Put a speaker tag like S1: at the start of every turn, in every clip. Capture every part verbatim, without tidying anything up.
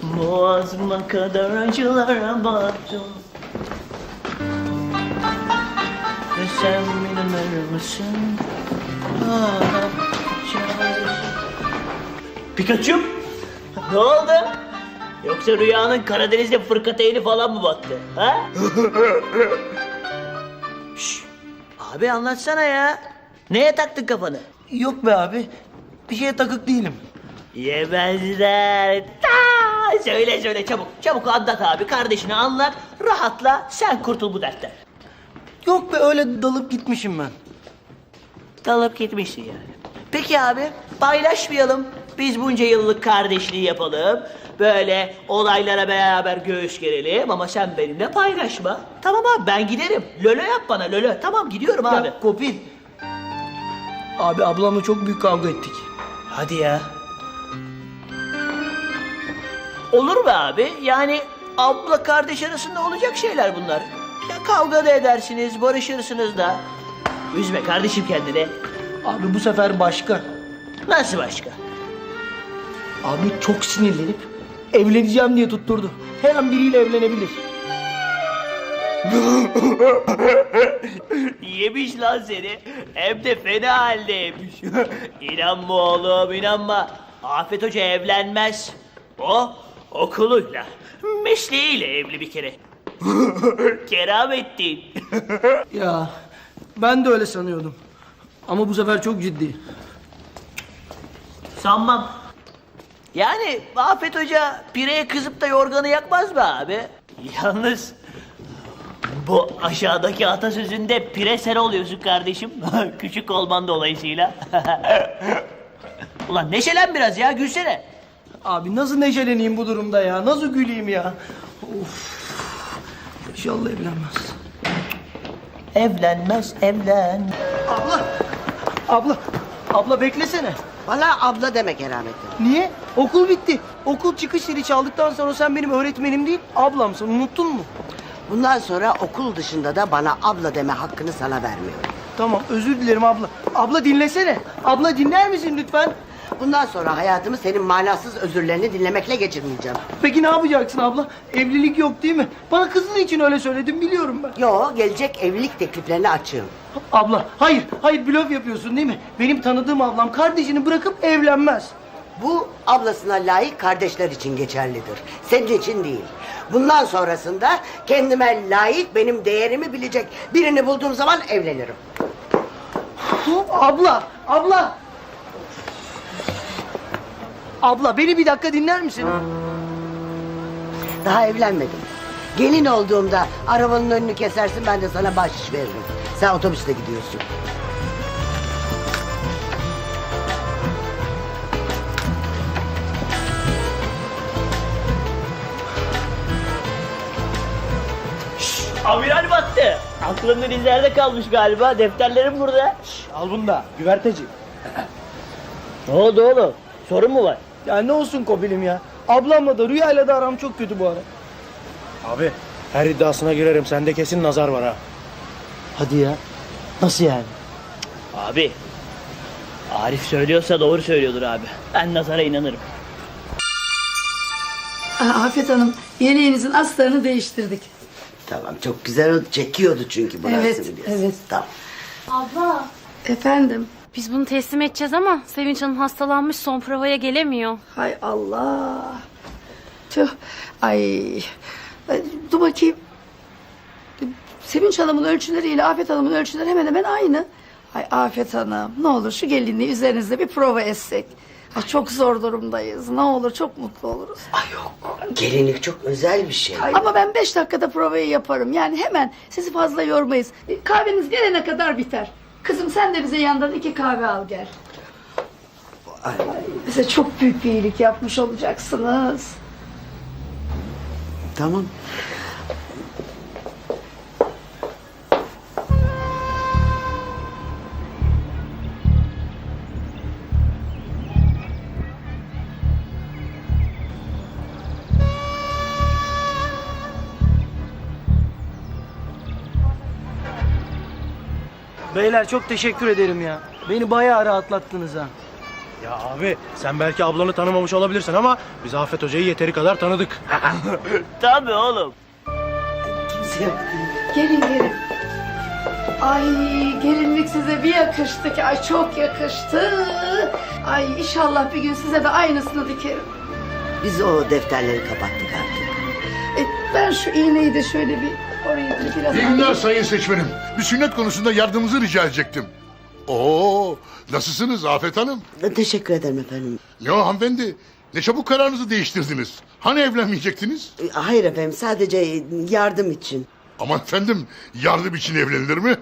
S1: Boğazıma kadar acılara battım. Ve sen inanır mısın? Ah, Pikachu'm, ne oldu? Yoksa rüyanın Karadeniz'de fırkateyni falan mı battı? Ha? Şşş, abi anlatsana ya. Neye taktın kafanı?
S2: Yok be abi. Bir şeye takık değilim.
S1: Yemezler. Ta! Söyle söyle çabuk. Çabuk anlat abi. Kardeşini anlat. Rahatla. Sen kurtul bu dertten.
S2: Yok be öyle dalıp gitmişim ben.
S1: Dalıp gitmişsin yani. Peki abi paylaşmayalım. Biz bunca yıllık kardeşliği yapalım. Böyle olaylara beraber göğüs gerelim ama sen benimle paylaşma. Tamam abi ben giderim. Lolo yap bana lolo. Tamam gidiyorum abi.
S2: Ya Kopil. Abi ablamla çok büyük kavga ettik.
S1: Hadi ya. Olur be abi. Yani abla kardeş arasında olacak şeyler bunlar. Ya kavga da edersiniz, barışırsınız da. Üzme kardeşim kendini.
S2: Abi bu sefer başka.
S1: Nasıl başka?
S2: Abi çok sinirlenip evleneceğim diye tutturdu. Her an biriyle evlenebilir.
S1: Yemiş lan seni. Hem de fena halde yemiş. İnanma oğlum inanma. Afet Hoca evlenmez. O okuluyla, mesleğiyle evli bir kere. Keramettin.
S2: Ya ben de öyle sanıyordum. Ama bu sefer çok ciddi.
S1: Sanmam. Yani Afet Hoca pireye kızıp da yorganı yakmaz mı abi? Yalnız bu aşağıdaki atasözünde pire sen oluyorsun kardeşim. Küçük olman dolayısıyla. Ulan neşelen biraz ya gülsene.
S2: Abi nasıl neşeleneyim bu durumda ya? Nasıl güleyim ya? Of. İnşallah evlenmez.
S1: Evlenmez evlen.
S2: Abla! Abla! Abla beklesene.
S3: Bana abla deme Keramettin.
S2: Niye? Okul bitti. Okul çıkış zili çaldıktan sonra sen benim öğretmenim değil, ablamsın. Unuttun mu?
S3: Bundan sonra okul dışında da bana abla deme hakkını sana vermiyorum.
S2: Tamam, özür dilerim abla. Abla dinlesene. Abla dinler misin lütfen?
S3: Bundan sonra hayatımı senin manasız özürlerini dinlemekle geçirmeyeceğim.
S2: Peki ne yapacaksın abla? Evlilik yok değil mi? Bana kızın için öyle söyledim, biliyorum ben.
S3: Yo, gelecek evlilik tekliflerini açığım.
S2: Abla, hayır, hayır blöf yapıyorsun değil mi? Benim tanıdığım ablam kardeşini bırakıp evlenmez.
S3: Bu ablasına layık kardeşler için geçerlidir. Senin için değil. Bundan sonrasında kendime layık, benim değerimi bilecek birini bulduğum zaman evlenirim.
S2: Abla, abla! Abla beni bir dakika dinler misin?
S3: Daha evlenmedim. Gelin olduğumda arabanın önünü kesersin, ben de sana bahşiş veririm. Sen otobüste gidiyorsun.
S1: Amiral battı. Aklın denizlerde kalmış galiba. Defterlerim burada.
S2: Al bunu da, güverteci.
S1: Ne oldu oğlum? Sorun mu var?
S2: Ya ne olsun Kopil'im ya. Ablamla da Rüya'yla da aram çok kötü bu ara.
S4: Abi her iddiasına girerim. Sende kesin nazar var ha.
S2: Hadi ya. Nasıl yani?
S1: Abi. Arif söylüyorsa doğru söylüyordur abi. Ben nazara inanırım.
S5: Aa, Afet Hanım, yeleğinizin astarını değiştirdik.
S3: Tamam, çok güzel oldu. Çekiyordu çünkü burası,
S5: Evet,
S3: biliyorsun.
S5: evet.
S3: Tamam.
S6: Abla,
S5: Efendim?
S6: biz bunu teslim edeceğiz ama Sevinç Hanım hastalanmış, son provaya gelemiyor.
S5: Hay Allah. Tüh. Ay. Ay, dur bakayım. Sevinç Hanım'ın ölçüleriyle Afet Hanım'ın ölçüleri hemen hemen aynı. Ay Afet Hanım, ne olur şu gelinliği üzerinizde bir prova etsek. Ay, çok zor durumdayız. Ne olur çok mutlu oluruz.
S3: Ay yok, gelinlik çok özel bir şey.
S5: Ama ben beş dakikada provayı yaparım. Yani hemen sizi fazla yormayız. E, Kahveniz gelene kadar biter. Kızım sen de bize yandan iki kahve al gel.
S3: Ay.
S5: Bize çok büyük bir iyilik yapmış olacaksınız.
S3: Tamam.
S2: Beyler çok teşekkür ederim ya. Beni bayağı rahatlattınız ha.
S4: Ya abi sen belki ablanı tanımamış olabilirsin ama biz Afet Hoca'yı yeteri kadar tanıdık.
S1: Tabii oğlum.
S3: Kimse yok.
S5: Gelin gelin. Ay gelinlik size bir yakıştı ki. Ay çok yakıştı. Ay inşallah bir gün size de aynısını dikerim.
S3: Biz o defterleri kapattık artık.
S5: E, ben şu iğneyi de şöyle bir oraya bir biraz...
S7: İyi günler sayın seçmenim. Bir sünnet konusunda yardımınızı rica edecektim. Oo, nasılsınız Afet Hanım?
S3: Teşekkür ederim efendim.
S7: Ne o hanımefendi? Ne çabuk kararınızı değiştirdiniz. Hani evlenmeyecektiniz?
S3: E, Hayır efendim, sadece yardım için.
S7: Aman efendim, yardım için evlenilir mi?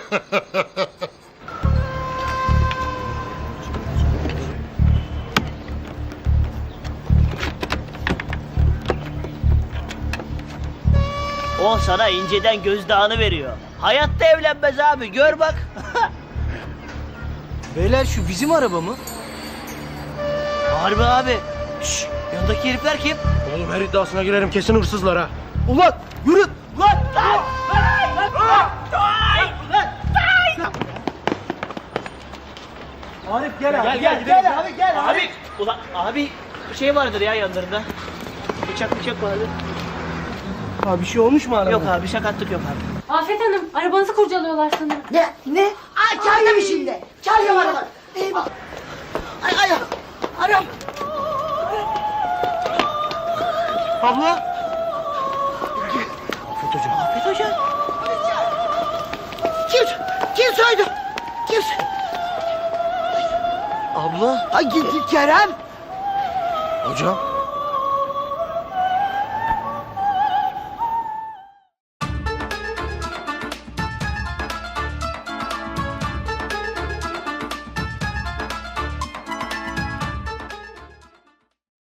S1: O sana inceden gözdağını veriyor. Hayatta evlenmez abi, gör bak.
S2: Beyler şu bizim araba mı?
S1: Harbi abi. Şşş, yanındaki herifler kim?
S4: Oğlum her iddiasına girerim kesin hırsızlar ha.
S2: Ulan yürü.
S1: Lan lan!
S2: Arif gel abi.
S1: Gel gel gel abi gel abi. Ulan abi bir şey vardır ya yanlarında. Bıçak bıçak vardır.
S2: Abi bir şey olmuş mu araba?
S1: Yok abi sakatlık yok abi.
S6: Afet Hanım arabanızı kurcalıyorlar sanırım.
S3: Ne? Ne? Ay çaldım şimdi. Çaldım arabanı. Eyvah. Ay ay. Aram.
S1: Abla.
S4: Afet Hoca.
S1: Afet Hoca.
S3: Kim? Kim soydu? Kim soydu?
S1: Abla.
S3: Ay Kerem.
S4: Hocam